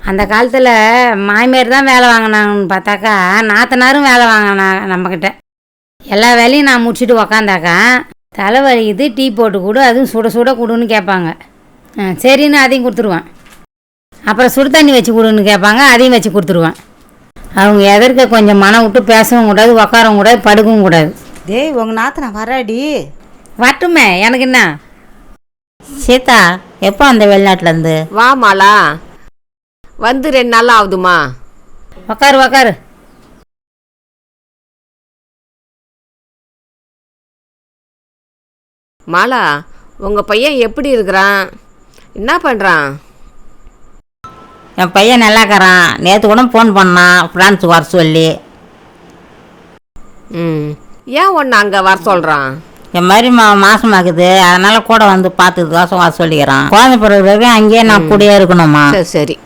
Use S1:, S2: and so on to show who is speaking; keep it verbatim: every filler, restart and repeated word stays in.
S1: அந்த காலத்தில் மாமியார் தான் வேலை வாங்கினாங்கன்னு பார்த்தாக்கா நாத்தனாரும் வேலை வாங்கினாங்க நம்மக்கிட்ட. எல்லா வேலையும் நான் முடிச்சுட்டு உக்காந்தாக்கா தலைவலிக்குது, டீ போட்டு கொடு, அதுவும் சுட சுட கொடுன்னு கேட்பாங்க. சரின்னு அதையும் கொடுத்துருவேன். அப்புறம் சுடு தண்ணி வச்சு கொடுன்னு கேட்பாங்க, அதையும் வச்சு கொடுத்துருவேன். அவங்க எதற்க கொஞ்சம் மனம் விட்டு பேசவும் கூடாது, உக்காரவும் கூடாது, படுக்கவும் கூடாது.
S2: டேய் உங்கள் நாத்தனா வராடி.
S1: வரட்டுமே, எனக்கு என்ன.
S3: சீதா எப்போ அந்த வெளிநாட்டிலேருந்து?
S4: வா மாலா, வந்து ரெண்டு நாள் ஆகுதுமா.
S1: உக்காரு உக்காரு.
S4: மாலா, உங்கள் பையன் எப்படி இருக்கிறான்? என்ன பண்ணுறான்?
S3: என் பையன் நல்லாக்கிறான். நேற்று கூட ஃபோன் பண்ணான் ஃப்ரான்ஸுக்கு வர சொல்லி.
S4: ம், ஏன் ஒன்று அங்கே வர சொல்கிறான்?
S3: என் மாதிரி மா மாசமாக்குது, அதனால் கூட வந்து பார்த்துக்கு தோசம் வர சொல்லிக்கிறான். குழந்தை பிறகு வரைக்கும் அங்கேயே நான் கூடயே இருக்கணுமா?
S4: சரி சரி.